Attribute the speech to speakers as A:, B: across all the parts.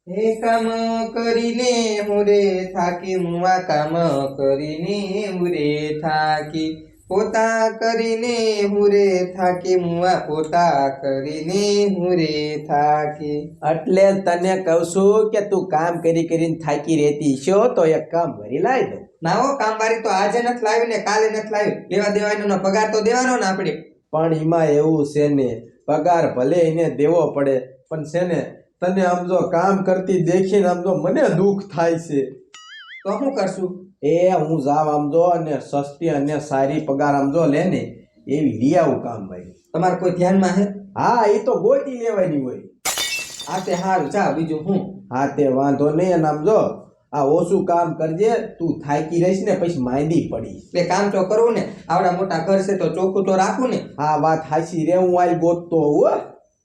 A: હે કામ કરીને હું રે થાકી મુવા કામ કરીને હું રે થાકી પોતા કરીને હું રે થાકી મુવા પોતા કરીને હું રે થાકી.
B: એટલે તને કહું છું કે તું કામ કરી કરીને થાકી રહેતી છો તો એક કામ ભરી લાવી દો.
A: ના હો કામવારી તો આજે નથી લાવી ને કાલે નથી લાવી, લેવા દેવાનો પગાર તો દેવાનો ને આપણે.
B: પણ એમાં એવું છે ને, પગાર ભલે એને દેવો પડે પણ છે ને તને આમ જો કામ કરતી દેખીને આમ જો મને દુઃખ થાય છે.
A: તો શું કરશું?
B: એ હું જાવ આમ જો અને સસ્તી અને સારી પગાર આમ જો લે ને એવી લઈ આવું કામ ભાઈ.
A: તમારે કોઈ ધ્યાનમાં હે?
B: હા એ તો ગોતી લેવાની હોય.
A: આ તે હારું જા બીજું હું.
B: હા તે વાંધો નહીં. અને આમ જો આ ઓછું કામ કરજે, તું થાકી રહીશ ને પછી માંદી પડીશ.
A: બે કામ તો કરવું ને, આવડા મોટા ઘર છે તો ચોખ્ખું તો રાખવું ને.
B: હા વાત હાચી રે, હું આઈ ગોતતો હું.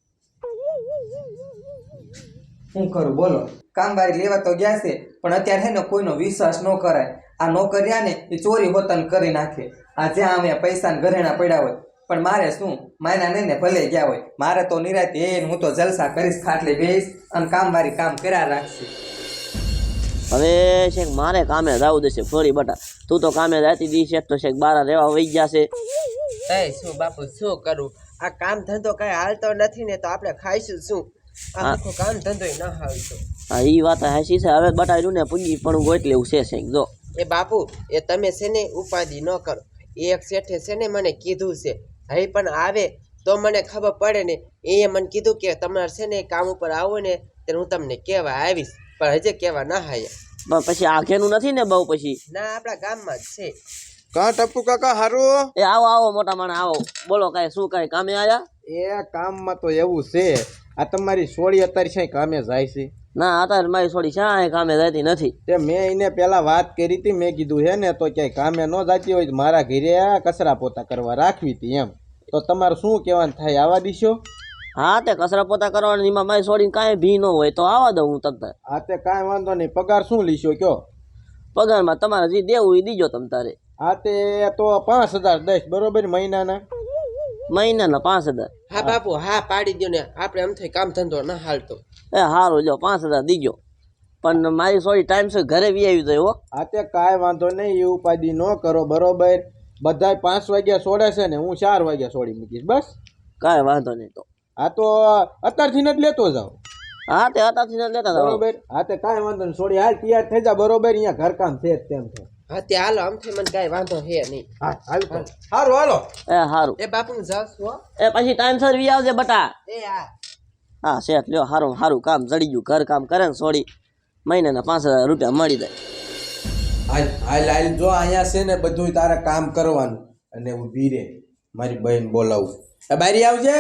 A: શું કરું બોલો? કામવારી લેવા તો ગયા છે પણ અત્યારે હે ને કોઈનો વિશ્વાસ ન કરાય. આ નોકરિયા ને એ ચોરી હોતન કરી નાખે. આ જ્યાં અમે પૈસા ને ઘરેણા પડ્યા હોય પણ મારે શું, માયના નહીં ને ભલે ગયા હોય, મારે તો નિરાતે હું તો જલસા કરીશ, ખાટલે બેસીશ અને કામવારી કામ કર્યા રાખશે.
C: હવે શેખ મારે કામે જવું દેશે ફોરી બટા. તું તો કામે જાતી દી છે તો શેખ બારા રહેવા વહી જશે.
D: એ શું બાપુ શું કરું, આ કામ ધંધો કઈ હાલતો નથી ને તો આપણે ખાઈશું શું? આ આખો કામ ધંધો ન હાલતો.
C: હા એ વાત હાચી છે. હવે બટાડ્યું ને પૂંજી પણ ગોત લેવું છે શેખ. જો
D: એ બાપુ એ તમે છે ને ઉપાધિ ન કરો. એક શેઠે છે ને મને કીધું છે, હવે પણ આવે તો મને ખબર પડે ને. એ મને કીધું કે તમારે છે ને કામ ઉપર આવો ને ત્યારે હું તમને કહેવા આવીશ, પણ હજી કહેવા ના હાયા.
C: પણ પછી આખેનું નથી ને બહુ પછી?
D: ના આપણા ગામમાં જ છે.
B: કા ટપ્પુ કાકા હારું?
C: એ આવો આવો મોટા માણસ આવો. બોલો કાંઈ શું કાંઈ કામે આયા?
B: એ કામમાં તો એવું છે, આ તમારી સોળી અત્યારે છે કામે જાય છે?
C: ના અત્યારે મારી છોડી શા કામે જતી નથી.
B: તે મેં એને પેલા વાત કરી હતી, મેં કીધું હે ને તો ક્યાંય કામે ન જતી હોય તો મારા ઘરે કચરા પોતા કરવા રાખવી હતી એમ. તો તમારું શું કહેવાનું થાય, આવા દીશો?
C: હા તે કચરા પોતા કરવાની એમાં મારી છોડીને કાંઈ ભી ન હોય તો આવા દઉં હું તમને.
B: હા તે કાંઈ વાંધો નહીં. પગાર શું લીશો કયો?
C: પગારમાં તમારે જે દેવું એ દીજો તમ તારે.
B: હા તે તો 5000 દઈશ બરોબર મહિનાના?
C: મહિનાના 5000?
D: હા બાપુ હા પાડી દો ને, આપણે આમ થઈ કામ ધંધો ના હાલતો.
C: એ સારું જો 5000 દીજો. પણ મારી સોરી ટાઈમ છે ઘરે વી આવી જાય હો.
B: હા તે કાંઈ વાંધો નહીં, એ ઉપાધિ ન કરો બરોબર. બધાય 5 વાગ્યા છોડે છે ને હું 4 વાગ્યા છોડી મૂકીશ બસ.
C: કાંઈ વાંધો નહીં તો.
B: હા તો અત્યારથી જ લેતો જાવ
C: હા તે અત્યારથી લેતા હતા
B: બરોબર. હા તે કાંઈ વાંધો નહીં, છોડી હાલ તૈયાર થઈ જા બરોબર. અહીંયા ઘરકામ છે જ તેમ છે.
D: હા તે હાલો આમ થઈ મને કાંઈ વાંધો હે નહીં.
B: હા હાલ તો સારું હાલો.
C: એ સારું.
D: એ બાપુ હું જાઉં છું હો.
C: એ પછી ટાઈમ સર વી આવજે બટા.
D: એ હા
C: હા શેઠ લ્યો સારું સારું કામ જડી ગયું. ઘર કામ કરે ને છોડી મહિનાના 5000 રૂપિયા મળી જાય.
B: હાલ હાલ હાલ જો અહીંયા છે ને બધું તારે કામ કરવાનું. અને ઊભી રે, મારી બહેન બોલાવું. એ બારી આવજે.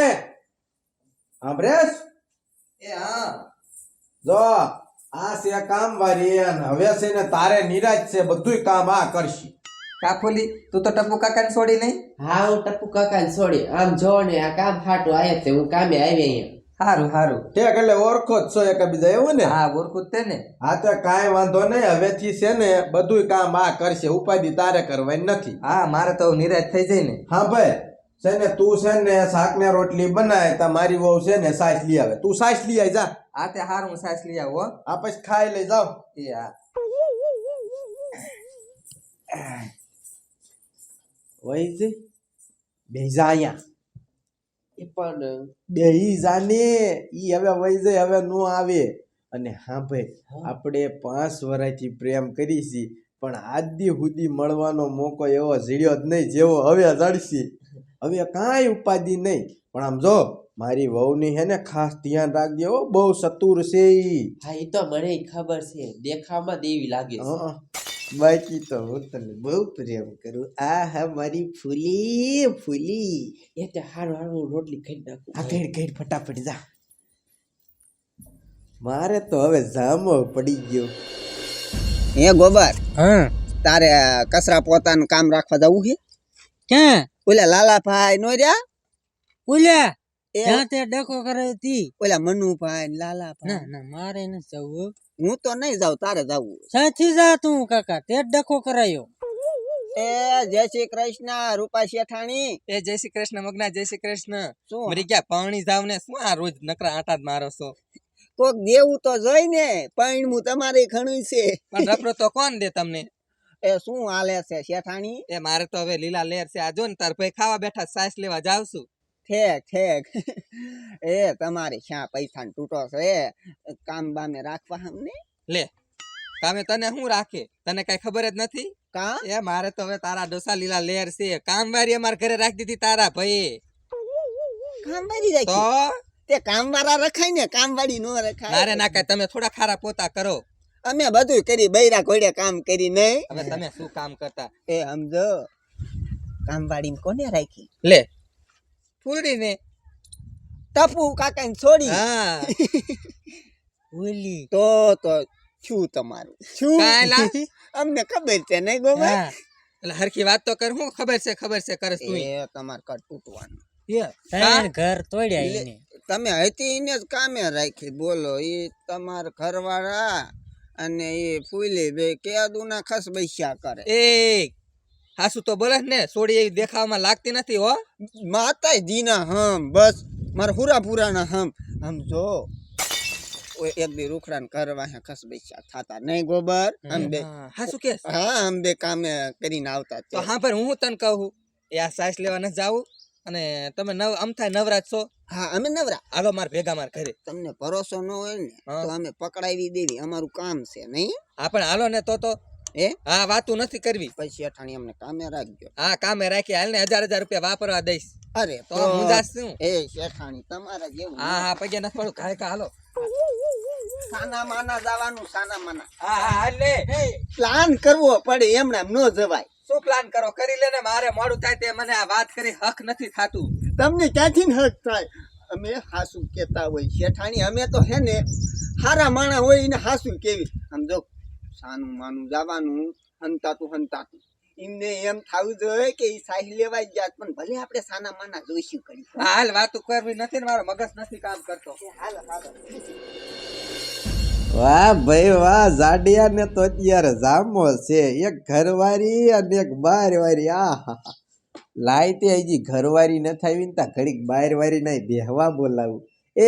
B: હા બ્રેસ.
A: એ હા
B: જો આ છે કામ વાળી અને હવે છે ને તારે નિરાજ છે, બધુંય કામ આ કરશી.
A: કાફુલી તું તો ટપ્પુ કાકાને છોડી નહીં?
D: હા હું ટપ્પુ કાકાને છોડી આમ જો ને આ કામ હાટું આયા છે, હું કામે આવી અહીંયા.
A: સારું સારું.
B: ઠેક એટલે ઓળખો જ છો એકબીજા એવું ને?
A: હા ઓળખું જ તે ને.
B: હા તો કાંઈ વાંધો નહીં, હવેથી છે ને બધુંય કામ આ કરશે, ઉપાધિ તારે કરવાની નથી.
A: હા મારે તો નિરાશ થઈ જાય ને.
B: હા ભાઈ છે ને તું છે ને શાક ને રોટલી બનાય, તા મારી વહુ છે ને સાસ લઈ આવે. તું સાસ લઈ આવી જા.
A: આ તે હારું હું સાસ લઈ આવું હો.
B: આ પછી ખાઈ લઈ જાવ.
A: એ હા
B: વહી જઈ બેજા અહીંયા
D: એ પણ
B: બેહી જાને. ઈ હવે વહી જાય, હવે નો આવે. અને હા ભાઈ આપણે 5 વર્ષથી પ્રેમ કરી છી પણ આજ દી સુધી મળવાનો મોકો એવો જડ્યો જ નહીં જેવો હવે જડશી. હવે કાંઈ ઉપાધિ નહીં. પણ આમ જો મારી વહુની હે ને ખાસ ધ્યાન રાખજે હો, બહુ ચતુર છે ઈ.
D: હા એ તો મને ખબર છે, દેખાવમાં દેવી લાગે છે.
B: હં. બાકી તો હું તને બહુ પ્રેમ કરું. આ હા મારી ફૂલી ફૂલી.
D: એ તે હારું હારું હું રોટલી ખાઈ નાખું.
B: આ ઘેડ ઘેડ ફટાફટ જા. મારે તો હવે જામો પડી ગયો.
E: હે ગોબર,
F: હા
E: તારે કચરા પોતાનું કામ રાખવા જવું છે?
F: ક્યાં?
E: ઓલા લાલાભાઈ નો રહ્યા
F: ઓલ્યા
E: એ
F: ત્યાં તે ડખો કરે હતી.
E: ઓલા મનુભાઈ ને લાલાભાઈ.
F: ના ના મારે નથી જવું.
E: હું તો નહીં જાઉં, તારે જવું.
F: સાથી જા તું કાકા, તે જ ડખો કરાયો.
E: એ જય શ્રી કૃષ્ણ રૂપા શેઠાણી.
A: એ જય શ્રી કૃષ્ણ મગના, જય શ્રી કૃષ્ણ.
E: શું
A: મરી ગયા પાણી જાવ ને શું આ રોજ નકરા આટા જ મારો છો?
E: કોક દેવું તો જોઈ ને પૈણું તમારે ઘણું છે
A: પણ રપરો તો કોણ દે તમને?
E: એ શું હાલે છે શેઠાણી
A: એ મારે તો હવે લીલા લેર છે. આ જો ને તાર ભાઈ ખાવા બેઠા સાસ લેવા જાવ છું.
E: ઠેક એ તમારે ક્યાં પૈસા તૂટો છે કામ બામે રાખવા અમને
A: લે કામે તને શું રાખે? તને કઈ ખબર જ નથી?
E: કા
A: એ મારે તો હવે તારા ડોસા લીલા લેર છે. કામવારી અમારા ઘરે રાખી દીધી તારા ભાઈ.
E: કામવાળી
A: તો
E: રાખી તે કામવાળા રખાય ને કામવાળી નો રખાય
A: મારે ના કાંઈ તમે થોડા ખારા પોતા કરો.
E: અમે બધું કરી બૈરા ઘોડે કામ કરી નહીં
A: હવે તમે શું કામ કરતા?
E: એ સમજો કામવાળી કોને રાખી
A: લે ફૂલડી ને.
E: ટપુ કાકા ને છોડી
A: હા
F: ઓલી
E: તો શું તમારું શું
A: કાંઈ લા.
E: અમને ખબર છે નહીં ગોબર
F: હા
A: એટલે હરખી વાત તો કર. હું ખબર છે કરસ તું.
E: એ તમાર કર તૂટવાનું
F: ત્રણ ઘર તોડ્યા એને
E: તમે હતી એને જ કામે રાખી બોલો એ તમાર ઘરવાળા અને એ ફૂલી બે કેદુના ખસ બૈસ્યા કરે
A: એ હાસુ તો બોલે ને. સોડી એવી દેખાવામાં લાગતી નથી હો.
E: માતાજીના હમ બસ મારા હુરાપુરાના હમ જો એક દી રૂખડાને કરવા હે ખસ બૈસ્યા થાતા નહીં ગોબર હમ બે
A: હાસુ કે
E: હા હમ બે કામે કરીને આવતા
A: તો હા પર હું તને કહું એ આ સાસ લેવા ન જાવું અને તમે અમથાય નવરાજ છો.
E: હા અમે નવરા
A: હાલો માર ભેગા માર ઘરે.
E: તમને ભરોસો ન હોય ને
A: હા.
E: તો અમે પકડાવી દેવી અમારું કામ છે નહીં
A: હા પણ હાલો ને તો
E: એ
A: હા વાતું નથી કરવી.
E: પછી અઠાણી અમને કામે રાખજો
A: હા કામે રાખી હાલ ને 1000 રૂપિયા વાપરવા દઈશ.
E: અરે
A: તો હું જાસ છું.
E: એ શેઠાણી તમારા જેવું
A: હા હા પગે નથી પડું. કાંઈ કા હાલો.
E: સાના માના જવાનું સાના માના
A: હા હા હાલ લે.
E: પ્લાન કરવો પડે એમને એમ ન જવાય
A: શું પ્લાન કરો કરી લે ને. મારે મોડું થાય તે મને આ વાત કરી હક નથી થાતું.
E: તમને ક્યાંથી ને હક થાય અમે હાસુ કેતા હોય શેઠાણી અમે તો હે ને હારા માણા હોય એને હાસુ કેવી સમજો સાનું માનું જવાનું હંતાતું એમને એમ થવું જોઈએ કે એ સાહી લેવાય ગયા પણ ભલે આપણે સાના માના જોઈશું કરી
A: હાલ વાતું કરવી નથી ને મારો મગજ નથી કામ કરતો.
E: હાલ
B: વાહ ભાઈ વાહ જાડિયા ને તો અત્યારે જામો છે એક ઘરવાળી અને એક બારવાળી આ લાઈ તે હજી ઘરવાળી ન થાવી ને તા ઘડીક બારવાળી નહીં બેહવા બોલાવું એ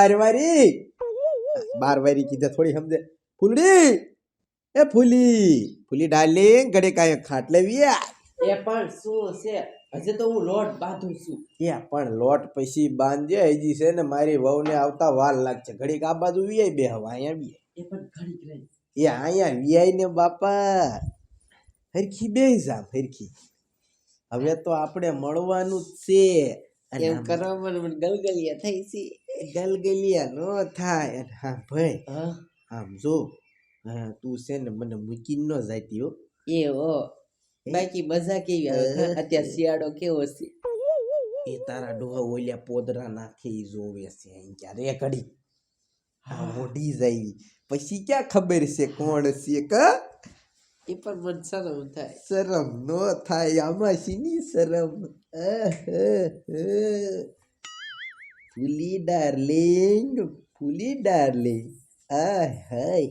B: બારવાળી કીધે થોડી સમજે ફૂલડી એ ફૂલી ડાર્લિંગ ઘડીક આ ખાટલે વિયા
D: એ પણ શું છે હજી તો હું લોટ બાંધું છું
B: એ પણ લોટ પછી બાંધજે હજી છે ને મારી વહુને આવતા વાર લાગશે ઘડીક આ બાજુ વિયાય બેહવા અહીંયા બી
D: એ પણ ઘડીક રહી
B: એ અહીંયા વિયાય ને બાપા હરખી બે જામ હરખી હવે તો આપણે મળવાનું જ છે અને
D: એમ કરવામાં મને ગલગલિયા થઈ છે
B: ગલગલિયા નો થાય અને હા ભાઈ
D: હા
B: આમ જો હા તું છે ને મને મૂકીને ન જાતી હો
D: એ હો બાકી મજા કેવી આવે અત્યારે શિયાળો કેવો છે
B: એ તારા ડોહા ઓલ્યા પોદરા નાખે ઈ જોવે છે અહીં ક્યારે ઘડી હા મોઢી જાય પછી ક્યાં ખબર છે કોણ છે કા
D: એ પણ મને શરમ થાય
B: શરમ નો થાય આમાં શીની શરમ ફૂલી ડાર્લિંગ આ હાય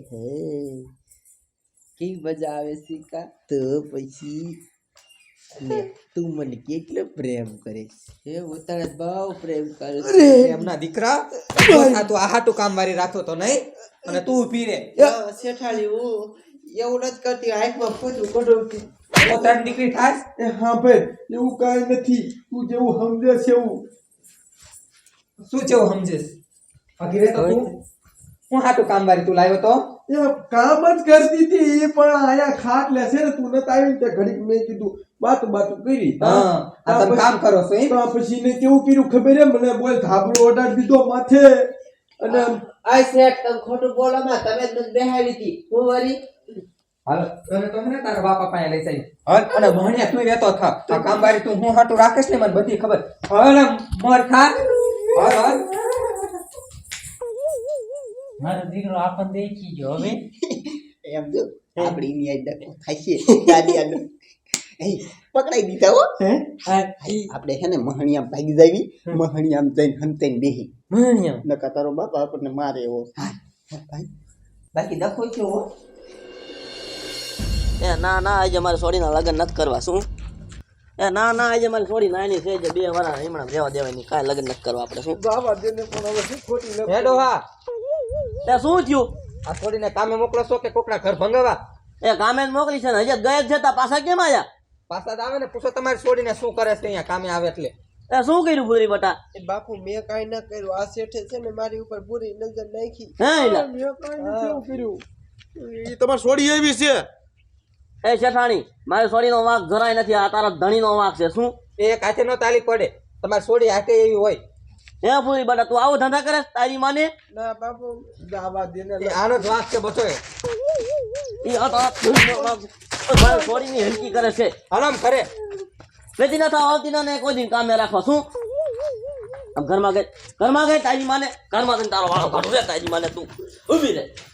D: કેવી મજા આવે છે કા
B: તો પછી લે, તું મને કેટલો પ્રેમ કરે છે
D: એ હું તને બહુ પ્રેમ કરું છું
A: એમના દીકરા આ તું આ હાટું કામ વારી રાખતો તો નહીં અને તું ઊભી રે.
D: શેઠાળી હું એવું નથી કરતી હાથમાં ફૂટું કઢું
A: પોતાની દીકરી થાય.
B: એ હા ભાઈ એવું કાંઈ નથી તું જેવું સમજે છે એવું
A: શું જેવું સમજેશ? ભાગી રે તો તું. હું હાટું કામ વારી તું લાવ્યો તો
B: એ કામ જ કરતી હતી એ પણ આયા ખાટ લે છે ને તું નત આવી ત્યાં ઘડીક મેં કીધું બાતું કરી
A: હા આ તમે કામ કરો છો એમ?
B: તો પછી ને કેવું કર્યું ખબર હે મને બોલ ધાબળો ઓડાડી દીધો માથે અને
D: આ શેઠ તમે ખોટું બોલો માં તમે જ મને બેહાડી હતી હું વળી
A: હાલો તને તો ને તારા બાપા પાસે લઈ જાય. હલ અને ભણ્યા તું રહેતો થા. આ કામ વારી તું હું હાટું રાખીશ ને મને બધી ખબર. હલ મોર ખા. હલ
F: મારો દીકરો આપણને દેખી ગયો હવે
E: એમ જો આપણી ની આઈ ડકો થાશે દાદીયાનો એ પકડાઈ દીધા હો આપણે હે ને મહણિયા ભાગી જાવી મહણિયામ જઈને હંતેન બેહી
F: ભણ્યો
E: નકા તારો બાપ આપણને મારે એવો ભાઈ બાકી ડખો છો હો
C: એ ના આજે મારે છોડીના લગ્ન નથી કરવા. શું એ ના આજે મારે છોડી નાની છે જે 2 વર્ષ હમણાં રહેવા દેવાની કાંઈ લગ્ન નથી કરવા આપણે. શું
B: બાબા દેને પણ હવે શું ખોટી
A: હે ડોહા
C: તે શું થયું
A: આ છોડીને કામે મોકલો છો કે કોકના ઘર ભંગાવા?
C: એ કામે જ મોકલી છે ને હજી ગયા જ જતા પાછા કેમ આવ્યા
A: પાછા જ આવે ને પૂછો તમારી છોડીને શું કરે છે અહીંયા કામે આવે એટલે.
C: એ શું કર્યું પૂરી બટા
D: એ બાપુ મેં કાંઈ ન કર્યું આ શેઠે છે ને મારી ઉપર બુરી નજર નાખી
C: હે એલા
B: ઈ તમારે છોડી એવી છે
C: એ શેઠાણી મારી સોડીનો વાંક જરાય નથી આ તારા ધણીનો વાંક છે શું
A: એ એક હાથે નો તાલી પડે, તમારી છોડી હાથે એવી હોય.
C: હે પૂરી બટા તું આવો ધંધા કરે તારી માને
D: ના બાપુ
B: દાવા દેને
A: એ આનો જ વાંક છે બધો.
C: ઈ આ તારા ધણીનો વાંક છે. મારી સોડીની હલકી કરે છે
A: હરામ કરે.
C: વેતી ના થાવ આવતી ના ને કોઈ દિન કામે રાખવા શું આમ ઘરમાં ગઈ તારી માને ઘરમાં જઈને તારો વાળો કાઢું રે તારી માને તું ઊભી રહે